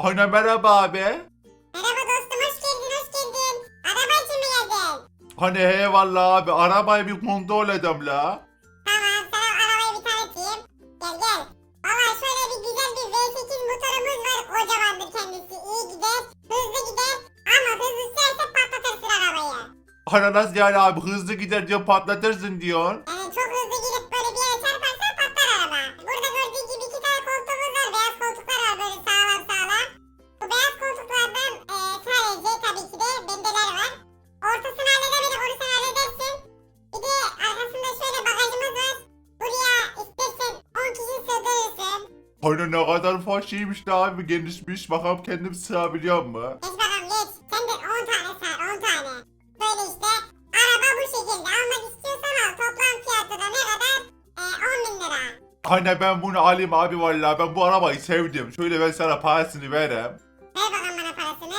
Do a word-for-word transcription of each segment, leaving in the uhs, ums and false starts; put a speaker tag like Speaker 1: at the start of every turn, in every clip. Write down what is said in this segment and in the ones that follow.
Speaker 1: Ana merhaba abi.
Speaker 2: Merhaba dostum, hoş geldin, hoş geldin. Araba için mi geldin?
Speaker 1: Hani eyvallah abi, arabayı bir kontrol edem la.
Speaker 2: Tamam, sana arabayı bir tanıtayım. Gel gel. Valla şöyle bir güzel bir V sekiz motorumuz var. Kocamandır kendisi. İyi gider, hızlı gider. Ama hızlı sürerse patlatırsın arabayı.
Speaker 1: Ana nasıl yani abi, hızlı gider diyor patlatırsın diyor.
Speaker 2: Yani çok hızlı gidip böyle bir yere çarparsan patlar araba. Burada gördüğün gibi iki tane koltuğumuz var. Beyaz koltuklar var böyle sağlam sağlam. Bu beyaz koltuklardan e, sadece tabii ki de bendeler var. Ortasını halledemedim, onu sen halledersin. Bir de arkasında şöyle bagajımız var. Buraya istersen on kişi sığdırırsın.
Speaker 1: Hani ne kadar faşiymiş de abi, genişmiş. Bakalım kendim sığabiliyor mu?
Speaker 2: Geç bakalım geç. Sen de on tane sığar, on tane. Böyle işte. Araba bu şekilde. Almak istiyorsan al. Toplam fiyatı da ne kadar? E, on bin lira.
Speaker 1: Hani ben bunu alayım abi, vallahi ben bu arabayı sevdim. Şöyle ben sana parasını vereyim.
Speaker 2: Ver bakalım bana parasını.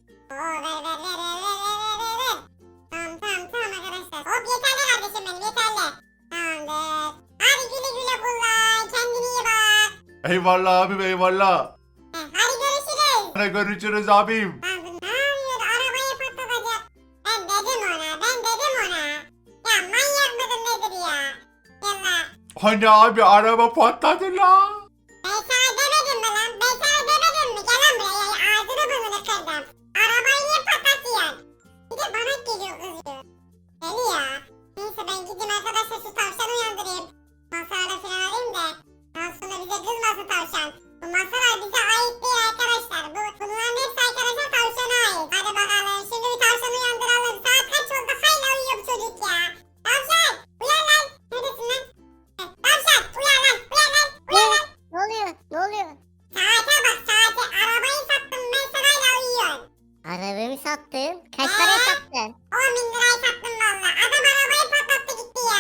Speaker 2: Oo ver ver ver ver ver ver ver ver. Tamam tamam tamam arkadaşlar. Hop yeterli kardeşim benim yeterli. Tamamdır. Hadi güle güle kullan. Kendine iyi bak.
Speaker 1: Eyvallah abim, eyvallah.
Speaker 2: Heh, hadi görüşürüz.
Speaker 1: Hadi görüşürüz abim.
Speaker 2: Lan bu ne yapıyor? Arabayı patlatacak. Ben dedim ona. Ben dedim ona. Ya manyak mıdır nedir ya? Yallah.
Speaker 1: Hani abi araba patladı la.
Speaker 2: Ben sana demedim mi lan? Ben sana demedim mi? Gel lan buraya. Ya, ağzını burnunu kırdım. Arabayı niye patlatıyorsun? Bir de bana geliyor kızıyor. Deli ya. Neyse ben gideyim arkadaşlar şu tavşanı uyandırayım. Masalara falan alayım da. Daha sonra bize kızmasın tavşan. Bu masalar bize ait değil arkadaşlar. Bu, bunların hepsi arkadaşlar tavşana ait. Hadi bakalım şimdi bir tavşanı uyandıralım. Saat kaç oldu? Hala uyuyor bu çocuk ya. Tavşan uyan lan. Neredesin lan? Heh, Tavşan uyan lan. Uyan lan. Uyan lan.
Speaker 3: Ne oluyor? Ne oluyor?
Speaker 2: Saate bak saate. Arabayı sattım ben sen hala uyuyorsun.
Speaker 3: Arabamı sattın. Kaç paraya sattın?
Speaker 2: on bin liraya sattım valla. Adam arabayı patlattı gitti ya.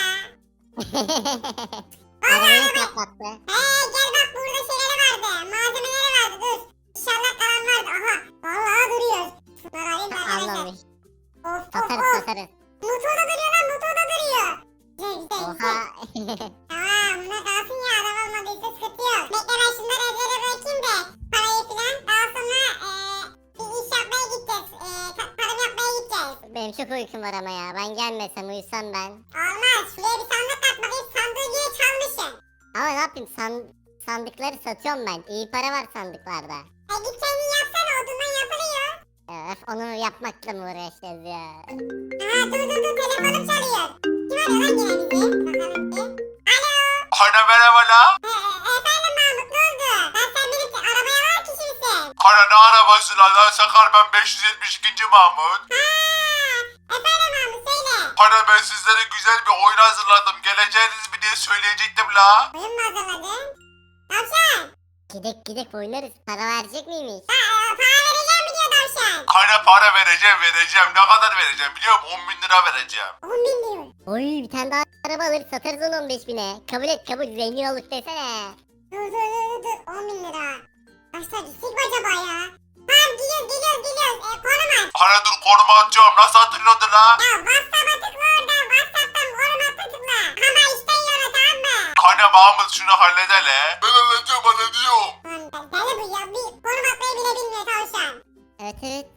Speaker 3: Arabayı patlattı.
Speaker 2: Hey gel bak burada şeyleri vardı. Malzemeleri vardı dur. İnşallah kalan vardı. Aha vallahi duruyor. Şunları alayım da arkadaşlar.
Speaker 3: Anlamış.
Speaker 2: Of of
Speaker 3: Satarız
Speaker 2: of.
Speaker 3: satarız.
Speaker 2: Motorda duruyor lan motorda duruyor. Güzel güzel
Speaker 3: Oha.
Speaker 2: güzel. Tamam bunlar kalsın ya adam olmadıysa sıkıntı yok. Bekle ben şunları evlere bırakayım da parayı filan. Daha sonra eee bir iş yapmaya gideceğiz. Eee ta- tarım yapmaya gideceğiz.
Speaker 3: Benim çok uykum var ama ya. Ben gelmesem uyusam ben.
Speaker 2: Olmaz. Şuraya bir sandık at bakayım. Sandığı yine çalmışsın.
Speaker 3: Ama ne yapayım? San sandıkları satıyorum ben. İyi para var sandıklarda.
Speaker 2: E git kendin yapsana. Odundan yapılıyor.
Speaker 3: Öf, onu yapmakla mı uğraşacağız ya?
Speaker 2: Aha dur dur dur. Telefonum çalıyor. Kim arıyor lan yine bizi? Bakalım bir. Alo.
Speaker 1: Hani merhaba la.
Speaker 2: E, e, efendim Mahmut ne oldu? Ben sen benim arabaya var kişi misin?
Speaker 1: Hani ne arabası la? Lan Sakar, ben beş yüz yetmiş ikinci Mahmut.
Speaker 2: Ha, efendim Mahmut söyle.
Speaker 1: Hani ben sizlere güzel bir oyun hazırladım. Geleceğiniz mi diye söyleyecektim la.
Speaker 2: Oyun mu hazırladın? Tavşan.
Speaker 3: Gidek gidek oynarız. Para verecek miymiş?
Speaker 2: Ha, e, para vereceğim mi diyor tavşan?
Speaker 1: Hani para vereceğim vereceğim. Ne kadar vereceğim biliyor musun? on bin lira vereceğim.
Speaker 2: on bin diyor.
Speaker 3: Oy bir tane daha araba alır satarız onu on beş bine. Kabul et kabul, zengin olduk desene.
Speaker 2: Dur dur dur dur. on bin lira. Başta gitsek mi acaba ya? Tamam gidiyoruz gidiyoruz gidiyoruz. E, konum at.
Speaker 1: Hani dur konuma atacağım. Nasıl hatırladın la?
Speaker 2: Ya WhatsApp'a tıkla orada. WhatsApp'tan konum atla tıkla. Ama işten yana tamam mı?
Speaker 1: Hani Mahmut şunu halledele. Ben halledeceğim hallediyorum.
Speaker 2: Lan deli bu ya. Bir konum atmayı bile bilmiyor tavşan.
Speaker 3: Evet evet.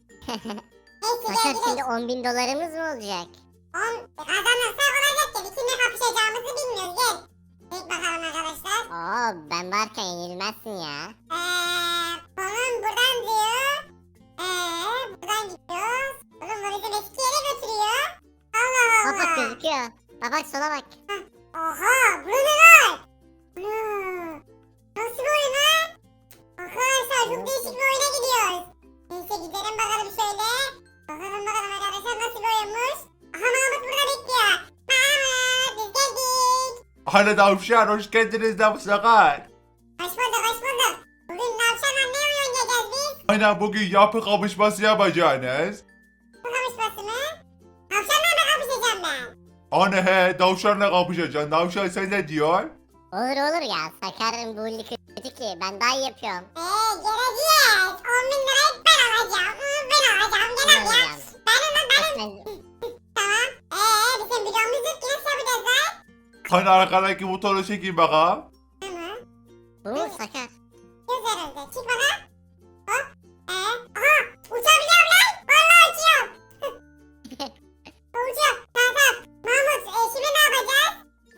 Speaker 2: Neyse gel
Speaker 3: Fakat
Speaker 2: gidelim.
Speaker 3: şimdi on bin dolarımız mı olacak?
Speaker 2: On kazanırsak olacak ya. Bir kimle kapışacağımızı bilmiyoruz. Gel. Gel bakalım arkadaşlar.
Speaker 3: Oo ben varken yenilmezsin ya.
Speaker 2: Eee konum buradan diyor. Eee buradan gidiyoruz. Oğlum bu bizi eski yere götürüyor. Allah
Speaker 3: Bak bak
Speaker 2: Allah.
Speaker 3: gözüküyor. Bak bak sola bak.
Speaker 2: Oha burada ne var? Ana. Nasıl bir oyun lan? Arkadaşlar çok değişik bir oyuna gidiyoruz. Neyse gidelim bakalım şöyle. Bakalım bakalım arkadaşlar nasıl bir oyunmuş. Aha Mahmut burada bekliyor. Mahmut biz geldik.
Speaker 1: Hani tavşan hoş geldiniz de bu Sakar.
Speaker 2: Hoş bulduk hoş bulduk. Bugün tavşanla ne oyun oynayacağız biz?
Speaker 1: Hani bugün yapı kapışması yapacağınız.
Speaker 2: Bu kapışması mı? Tavşanla mı kapışacağım ben?
Speaker 1: Hani he, tavşanla kapışacaksın. Tavşan sen ne diyor?
Speaker 3: Olur olur ya. Sakar'ın bu lig kötü ki. Ben daha iyi yapıyorum.
Speaker 2: Eee geleceğiz. on bin lirayı ben alacağım. Hı, ben alacağım. Gel al ya. Benim lan benim.
Speaker 3: Ben...
Speaker 2: Tamam. Eee bizim videomuz yok ki nasıl yapacağız lan?
Speaker 1: Hani arkadaki motoru çekeyim bakalım.
Speaker 2: Tamam.
Speaker 3: Bu mu Sakar?
Speaker 2: Göz herhalde. Çık bana.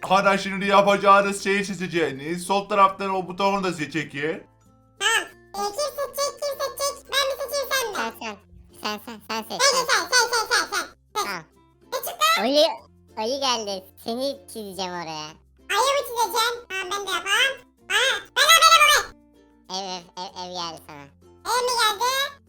Speaker 1: Ana şimdi yapacağınız şeyi seçeceğiniz. Sol taraftan o butonu da seçekin.
Speaker 2: Tamam. Ee, kim seçecek kim seçecek? Ben mi seçeyim sen mi?
Speaker 3: Sen sen. Sen sen sen seç.
Speaker 2: Sen
Speaker 3: Sen.
Speaker 2: sen sen sen sen sen.
Speaker 3: Tamam.
Speaker 2: Ne çıktı?
Speaker 3: Ayı, ayı geldi. Seni çizeceğim oraya.
Speaker 2: Ayı mı çizeceğim? Tamam ben de yapayım. Aa, ben de benim oraya.
Speaker 3: Ev ev ev, ev geldi sana.
Speaker 2: Ev mi geldi?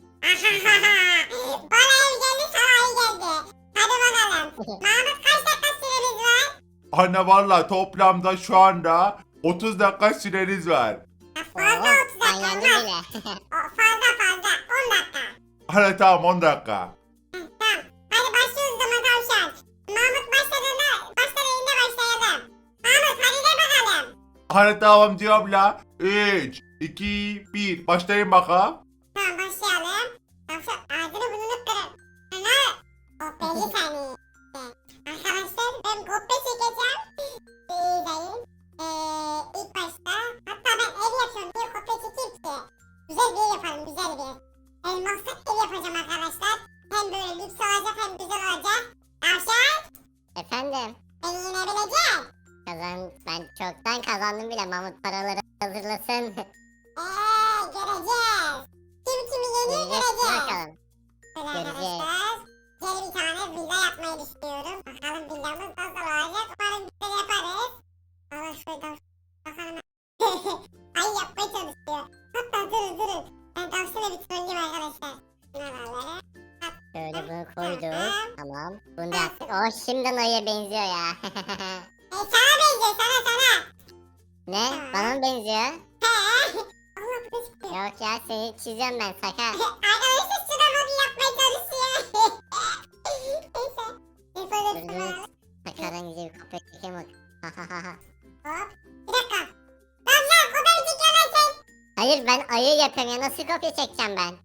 Speaker 2: Bana ev geldi sana ayı geldi. Hadi bakalım. Mahmut kaç dakika süremiz var?
Speaker 1: Ana valla toplamda şu anda otuz dakika süreniz var.
Speaker 2: Ya fazla
Speaker 3: Oo,
Speaker 2: otuz
Speaker 3: ben
Speaker 2: dakika
Speaker 3: yandım
Speaker 2: olmaz.
Speaker 3: bile.
Speaker 2: O, fazla fazla on dakika.
Speaker 1: Ana tamam on dakika.
Speaker 2: Hı, tamam. Hadi başlıyoruz o zaman tavşan. Mahmut başladığında başladığında başlayalım. Mahmut hadi de bakalım.
Speaker 1: Ana tamam diyorum la. üç, iki, bir. Başlayın bakalım.
Speaker 2: Tamam başlayalım. Tavşan ağzını burnunu kırın. Ana. Kopyacı seni. Arkadaşlar ben kopya çekeceğim. İyi değil. Ee, ilk başta hatta ben ev yapıyorum diye kopya çekeyim ki. Güzel bir ev yapalım güzel bir ev. Elmaslı ev yapacağım arkadaşlar. Hem böyle lüks olacak hem güzel olacak. Tavşan
Speaker 3: Efendim.
Speaker 2: beni yenebilecek.
Speaker 3: Kazan, ben çoktan kazandım bile. Mahmut paraları hazırlasın.
Speaker 2: Eee göreceğiz. Kim kimi yeniyor
Speaker 3: Göreceğiz
Speaker 2: göreceğiz.
Speaker 3: bakalım.
Speaker 2: Böyle
Speaker 3: Göreceğiz.
Speaker 2: arkadaşlar. Gel bir tane villa yapmayı düşünüyorum. Bakalım villamız nasıl olacak. Umarım güzel yaparız. Allah şurada bakalım. Ay yapmaya çalışıyor. Hatta durun durun. Ben tavşana bir trolleyim arkadaşlar. Şuraları.
Speaker 3: Şöyle bunu koyduk. Tamam. Bunu da yaptık. Oh şimdiden ayıya benziyor ya.
Speaker 2: E sana benziyor sana sana.
Speaker 3: Ne? Bana mı benziyor?
Speaker 2: He. Allah bu da çıkıyor.
Speaker 3: Yok ya seni çizeceğim ben Sakar.
Speaker 2: Arkadaşlar şurada modu yapmaya çalışıyor. Neyse. Neyse
Speaker 3: Dur
Speaker 2: öyle
Speaker 3: dur. Sakar'dan güzel bir kopya çekeyim bak.
Speaker 2: Hop. Bir dakika. Lan lan o da bir çekiyor lan sen.
Speaker 3: Hayır ben ayı yapıyorum ya nasıl kopya çekeceğim ben?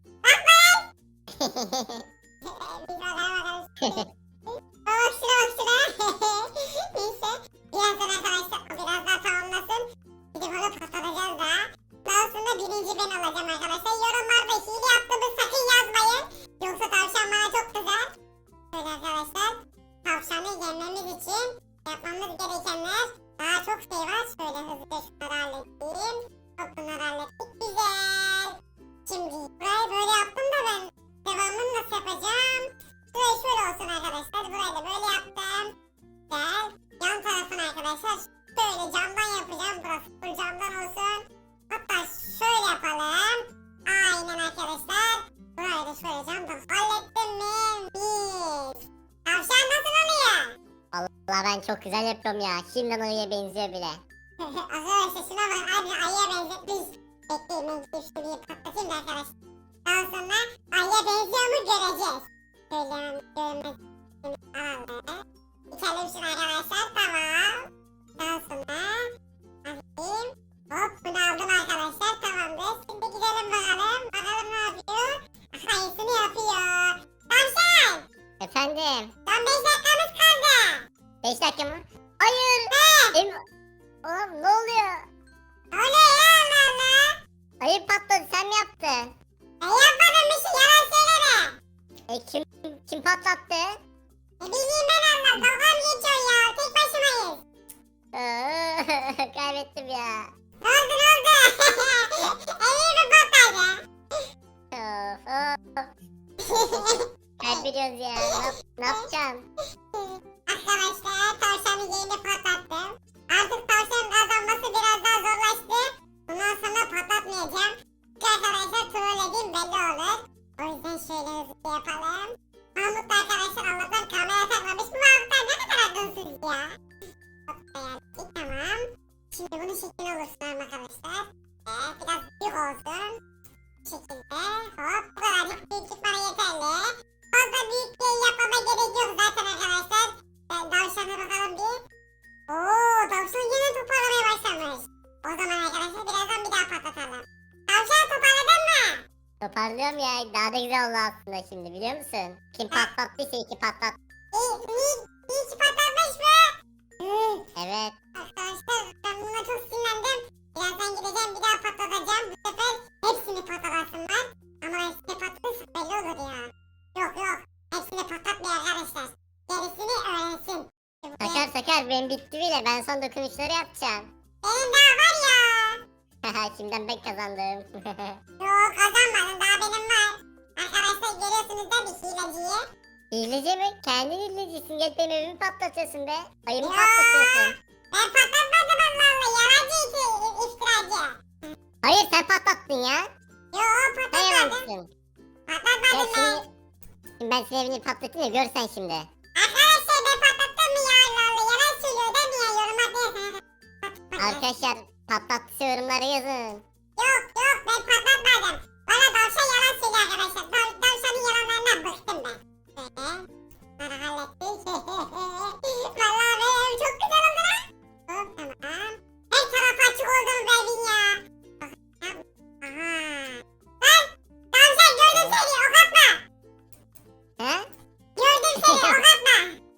Speaker 2: Biz oraya bakalım. Bak şuna bak şuna. Neyse. Birazdan arkadaşlar o biraz daha tamamlasın. Gidip onu patlatacağız daha. Daha sonra birinci ben olacağım arkadaşlar. Yorumlarda hile yaptığımı sakın yazmayın. Yoksa tavşan bana çok kızar. Böyle arkadaşlar. Tavşanı yenmemiz için yapmamız gerekenler daha çok şey var. Şöyle hızlıca şunları halledeyim. Hop bunları hallettik. Güzel. Şimdi burayı böyle yaptım da ben devamını nasıl yapacağım? Şurayı şöyle olsun arkadaşlar. Burayı da böyle yaptım. Güzel. Yan tarafını arkadaşlar şöyle camdan yapacağım. Burası full camdan olsun. Hatta şöyle yapalım. Aynen arkadaşlar. Burayı da şöyle camdan hallettim mi? Mis. Tavşan nasıl oluyor?
Speaker 3: Vallahi ben çok güzel yapıyorum ya. Şimdiden ayıya benziyor bile.
Speaker 2: Arkadaşlar şuna bak abi ayıya benzetmiş. Bekleyin ben gidip şurayı patlatayım da arkadaşlar. Daha sonra ayıya benziyor mu göreceğiz. Şöyle görünmez. Alalım. İçelim şunu arkadaşlar tamam. Daha sonra alayım. Hop bunu aldım arkadaşlar tamamdır. Şimdi gidelim bakalım. Bakalım ne yapıyor. Ayısını yapıyor. Tavşan.
Speaker 3: Efendim.
Speaker 2: Son beş dakikamız kaldı.
Speaker 3: beş dakika mı? Hayır. Em Oğlum ne oluyor?
Speaker 2: Oluyor ya Allah Allah.
Speaker 3: Ayı patladı sen mi yaptın?
Speaker 2: Ben yapmadım bir şey yalan söyleme.
Speaker 3: E kim kim patlattı?
Speaker 2: Ne bileyim ben Allah. Dalga mı geçiyorsun ya? Tek başımayız.
Speaker 3: Aa, kaybettim ya.
Speaker 2: Ne oldu ne oldu? Evi mi patladı?
Speaker 3: Of, of. Kaybediyoruz ya. Ne, yap- ne yapacağım?
Speaker 2: Arkadaşlar tavşanın yeğeni patlattım. Artık tavşanın kazanması biraz daha zorlaştı. Bundan sonra patlatmayacağım. Çünkü arkadaşlar trollediğim belli olur. O yüzden şöyle hızlı yapalım. Mahmut da arkadaşlar Allah'tan kamera takmamış. Bu Mahmutlar ne kadar akılsız ya. Hop beğendik tamam. Şimdi bunun şekli olursun arkadaşlar. Ee, biraz büyük olsun. Bu şekilde hop bu kadarcık büyüklük bana yeterli. Fazla büyük bir yapmama gerek yok zaten arkadaşlar. Ben tavşana bakalım bir. Ooo tavşan yine toparlamaya başlamış. O zaman arkadaşlar birazdan bir daha patlatalım. Tavşan toparladın mı?
Speaker 3: Toparlıyorum ya. Daha da güzel oldu aslında şimdi biliyor musun? Kim patlattıysa iki patlat.
Speaker 2: İyi, iyi, iyi ki patlatmış mı? Hı,
Speaker 3: Evet.
Speaker 2: arkadaşlar ben buna çok sinirlendim. Birazdan gideceğim bir daha patlatacağım. Bu sefer hepsini patlatasın var. Ama hepsini patlatırsa belli olur ya. Yok yok hepsini patlatmıyor arkadaşlar. Gerisini öğrensin.
Speaker 3: Sakar sakar benim bitti bile. Ben son dokunuşları yapacağım.
Speaker 2: Benim daha var ya.
Speaker 3: Şimdiden ben kazandım.
Speaker 2: Yok kazanmadın daha benim var. Arkadaşlar görüyorsunuz da bir hileciyi.
Speaker 3: Hileci mi? Kendin hilecisin. Gel benim evimi patlatıyorsun be. Ayımı
Speaker 2: Ya.
Speaker 3: patlatıyorsun.
Speaker 2: Ben patlatmadım Allah Allah. Yalancı iki iftiracı.
Speaker 3: Hayır sen patlattın ya.
Speaker 2: Yok
Speaker 3: Sen
Speaker 2: patlatmadım.
Speaker 3: yalancısın. Ya
Speaker 2: Patlatmadım ben.
Speaker 3: şimdi, şimdi ben senin evini patlatayım ya görsen şimdi.
Speaker 2: Arkadaşlar ben patlattım mı ya Allah Allah. Yalan söylüyor değil mi ya? Yoruma değil.
Speaker 3: Arkadaşlar patlattıysa yorumlara yazın.
Speaker 2: Yok yok ben patlatmadım. Bana tavşan yalan söylüyor arkadaşlar. Tav tavşanın yalanlarından bıktım ben. Böyle. Bana hallettik. Vallahi benim evim çok güzel oldu lan. Hop tamam. Her taraf açık oldu bu evin ya. Aha. Lan tavşan gördüm seni ok atma.
Speaker 3: He?
Speaker 2: Gördüm seni ok atma.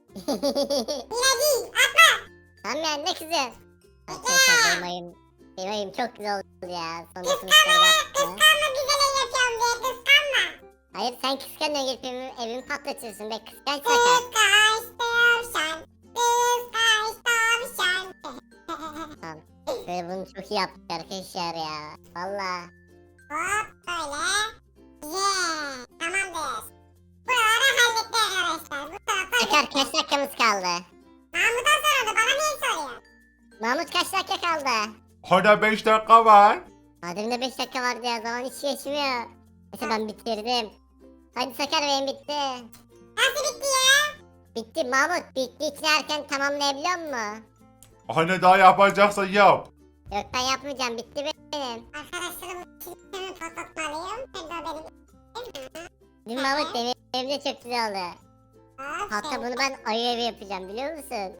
Speaker 2: Yine değil atma.
Speaker 3: Tamam ya ne kızıyorsun? Arkadaşlar benim ayım, benim ayım çok güzel oldu ya. Son dokunuşları yaptı.
Speaker 2: Kıskanma güzel el yapıyorum diye kıskanma.
Speaker 3: Hayır sen kıskanıyorsun gelip evimi, evimi patlatıyorsun be kıskanç sakar.
Speaker 2: Kıskaç tavşan. Kıskaç tavşan.
Speaker 3: Tamam. Böyle bunu çok iyi yaptık arkadaşlar ya. Valla.
Speaker 2: Hop böyle. Yeah. Tamamdır. Buraları hallettik arkadaşlar. Bu tarafa
Speaker 3: Sakar
Speaker 2: hallettik.
Speaker 3: kaç dakikamız kaldı?
Speaker 2: Mahmut'a soruldu. Bana niye soruyor?
Speaker 3: Mahmut kaç dakika kaldı?
Speaker 1: Hala beş dakika var.
Speaker 3: Mademde beş dakika vardı ya zaman hiç geçmiyor. Neyse ben bitirdim. Hadi Sakar benim bitti.
Speaker 2: Nasıl bitti ya?
Speaker 3: Bitti Mahmut bitti için erken tamamlayabiliyor musun?
Speaker 1: Hani daha yapacaksan yap.
Speaker 3: Yok ben yapmayacağım bitti benim.
Speaker 2: Arkadaşlarım sistemi patlatmalıyım. Ben de benim.
Speaker 3: Değil mi Mahmut benim evim de çok güzel oldu.
Speaker 2: Hop,
Speaker 3: Hatta
Speaker 2: şöyle.
Speaker 3: bunu ben ayı evi yapacağım biliyor musun?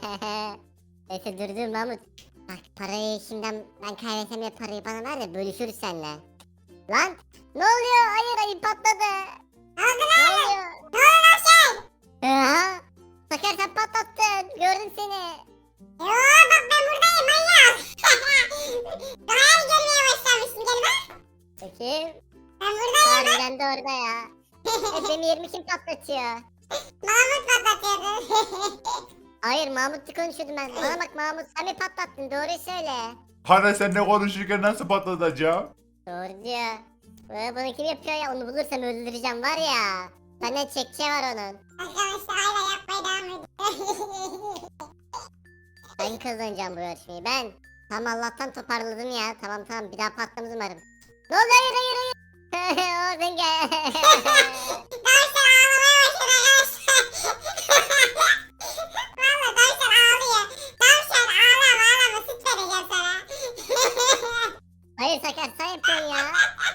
Speaker 3: Neyse dur dur Mahmut. Bak parayı şimdiden ben kaybetsem ya parayı bana ver de bölüşürüz seninle. Lan ne oluyor? Hayır ayı patladı.
Speaker 2: Ne oldu
Speaker 3: Ne
Speaker 2: lan?
Speaker 3: oluyor?
Speaker 2: Ne oldu lan şey?
Speaker 3: Aha. Sakar sen patlattın. Gördüm seni.
Speaker 2: Yoo bak ben buradayım manyak. Daha yeni görmeye başlamışsın gel bak.
Speaker 3: Bakayım.
Speaker 2: Ben buradayım.
Speaker 3: Harbiden de orada ya. E, benim yerimi kim patlatıyor?
Speaker 2: Mahmut patlatıyordu.
Speaker 3: Hayır Mahmut'la konuşuyordum ben. Bana bak Mahmut sen mi patlattın? Doğruyu söyle.
Speaker 1: Hani seninle konuşurken nasıl patlatacağım?
Speaker 3: Doğru diyor. Ee, bunu kim yapıyor ya? Onu bulursam öldüreceğim var ya. Benden çekçe var onun.
Speaker 2: Arkadaşlar hala yapmaya devam ediyor.
Speaker 3: Ben kazanacağım bu yarışmayı ben. Tamam Allah'tan toparladım ya. Tamam tamam bir daha patlamaz umarım. Ne oldu hayır hayır hayır. Oradan gel.
Speaker 2: Dövüşler ağlamaya başladı arkadaşlar. Valla dövüşler ağlıyor. Dövüşler ağlama ağlama süt vereceğim sana.
Speaker 3: Hayır Sakar sen yapıyorsun ya.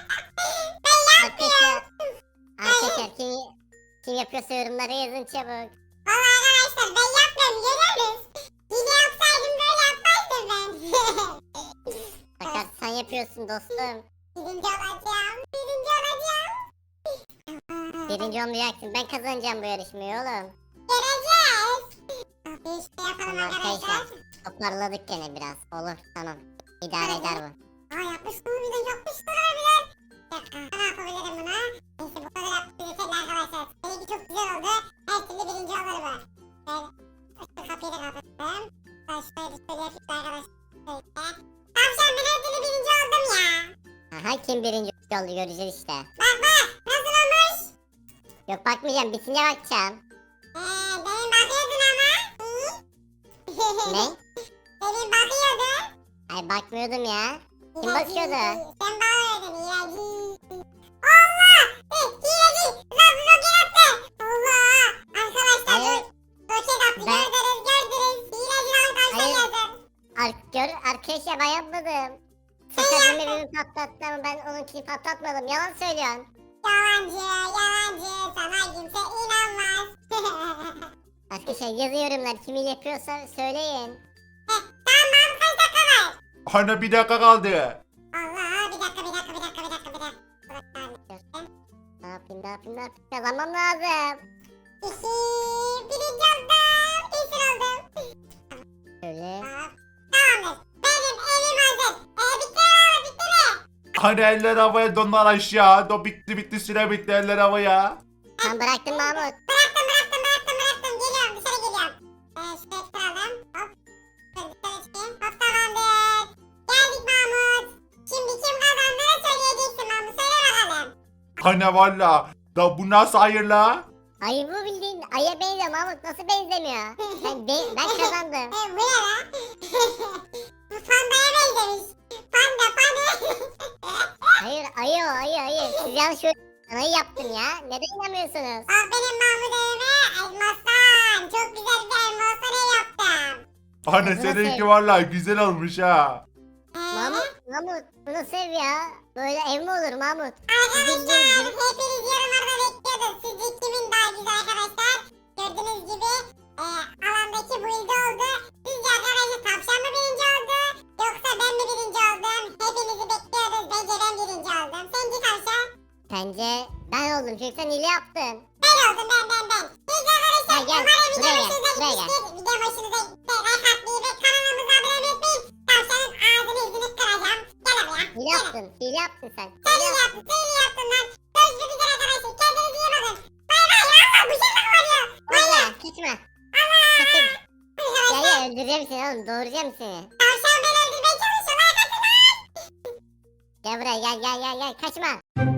Speaker 2: Ben
Speaker 3: Arkadaşlar. Arkadaşlar kim, kim yapıyorsa yorumlara yazın çabuk.
Speaker 2: Valla arkadaşlar ben yapmıyorum görüyoruz. Yine yapsaydım böyle yapmazdım ben.
Speaker 3: Sakar sen yapıyorsun dostum.
Speaker 2: Birinci olacağım. Birinci olacağım.
Speaker 3: Birinci olmayacaksın. Ben kazanacağım bu yarışmayı oğlum.
Speaker 2: Göreceğiz. Bir işte yapalım
Speaker 3: Tamam
Speaker 2: arkadaşlar.
Speaker 3: arkadaşlar. Toparladık gene biraz. Olur tamam. İdare eder bu.
Speaker 2: Aa yapmış mı harbiden yapmışlar harbiden. Bir dakika ne yapabilirim buna? Neyse bu kadar yaptık yeterli arkadaşlar. Seninki çok güzel oldu. Her türlü birinci olur bu. Şöyle şu kapıyı da kapattım. Ben şöyle bir şöyle yapayım arkadaşlar. Şöyle. Tavşan ben her türlü birinci oldum ya.
Speaker 3: Aha kim birinci oldu göreceğiz işte.
Speaker 2: Bak bak nasıl olmuş?
Speaker 3: Yok bakmayacağım bitince bakacağım.
Speaker 2: Eee benim bakıyordun ama. Hı?
Speaker 3: Ne?
Speaker 2: Benim bakıyordun.
Speaker 3: Ay bakmıyordum ya. Kim
Speaker 2: İlacı.
Speaker 3: bakıyordu?
Speaker 2: Sen bakıyordun ilacı. Allah! Eh, ilacı! Lan roket attı! Allah! Arkadaşlar
Speaker 3: Hayır.
Speaker 2: ro- roket attı
Speaker 3: Ben-
Speaker 2: gördünüz gördünüz. İlacı lan tavşan
Speaker 3: Hayır.
Speaker 2: yazın.
Speaker 3: Ar gör arkadaşlar ben yapmadım. Sakar benim evimi patlattı ama ben onunkini patlatmadım. Yalan söylüyorsun.
Speaker 2: Yalancı yalancı sana kimse inanmaz.
Speaker 3: Arkadaşlar yazın yorumlar kimi yapıyorsa söyleyin.
Speaker 2: Eh, tamam kaç dakika var?
Speaker 1: Hani bir dakika kaldı.
Speaker 2: Allah bir dakika bir dakika bir dakika bir dakika bir dakika. Burası
Speaker 3: Ne yapayım ne yapayım ne yapayım kazanmam lazım.
Speaker 2: İki, birinci oldum. Kesin oldum.
Speaker 3: Şöyle.
Speaker 2: Tamam. Tamamdır. Benim evim hazır. Ee, bitti mi oğlum bitti mi?
Speaker 1: Hani eller havaya donlar aşağı. Do bitti bitti süre bitti eller havaya.
Speaker 3: Sen bıraktın Mahmut.
Speaker 2: Bıraktım bıraktım bıraktım bıraktım. Geliyorum dışarı geliyorum. Ee, şuraya kıralım.
Speaker 1: Hani valla. Da bu nasıl hayır la?
Speaker 3: Ayı bu bildiğin aya benziyor Mahmut. Nasıl benzemiyor? Ben, ben, ben kazandım.
Speaker 2: E, bu ne lan? Bu pandaya benzemiş. Panda panda.
Speaker 3: Hayır ayı o ayı ayı. Siz yanlış ayı yaptın ya. Neden inanmıyorsunuz?
Speaker 2: Bak benim Mahmut evime elmastan. Çok güzel bir elmastan ev yaptım.
Speaker 1: Hani
Speaker 3: Nasıl
Speaker 1: seninki
Speaker 3: ev?
Speaker 1: valla güzel olmuş ha.
Speaker 2: Ee,
Speaker 3: Mahmut, Mahmut bunu sev ya. Böyle ev mi olur Mahmut?
Speaker 2: Arkadaşlar hepiniz yorumlarda bekliyordum. Sizce kimin daha güzel arkadaşlar? Gördüğünüz gibi e, alandaki build oldu. Sizce arkadaşlar tavşan mı birinci oldu? Yoksa ben mi birinci oldum? Hepinizi bekliyoruz. Bence ben birinci oldum. Sence tavşan?
Speaker 3: Bence ben oldum çünkü sen hile yaptın.
Speaker 2: Ben oldum ben ben ben. Siz arkadaşlar
Speaker 3: Gel, gel.
Speaker 2: umarım video
Speaker 3: Buraya gel,
Speaker 2: hoşunuza
Speaker 3: buraya gel.
Speaker 2: gitmiştir. Video hoşunuza gitti. Like atmayı ve kanalımıza abone olmayı unutmayın. Tavşanın ağzını yüzünü kıracağım. Gel buraya.
Speaker 3: Hile
Speaker 2: Gel.
Speaker 3: yaptın. Hile yaptın sen.
Speaker 2: Sen
Speaker 3: Hile
Speaker 2: iyi
Speaker 3: yaptın.
Speaker 2: yaptın. Sen iyi yaptın lan. Görüşmek üzere arkadaşlar. Kendinize iyi bakın. Bay bay. Allah bu şey kovalıyor.
Speaker 3: Valla kaçma. Kaçın. Ya ya öldüreceğim seni oğlum. Doğuracağım seni.
Speaker 2: Tavşan beni öldürmeye çalışıyor. Like atın lan.
Speaker 3: Gel buraya gel gel gel gel. Kaçma.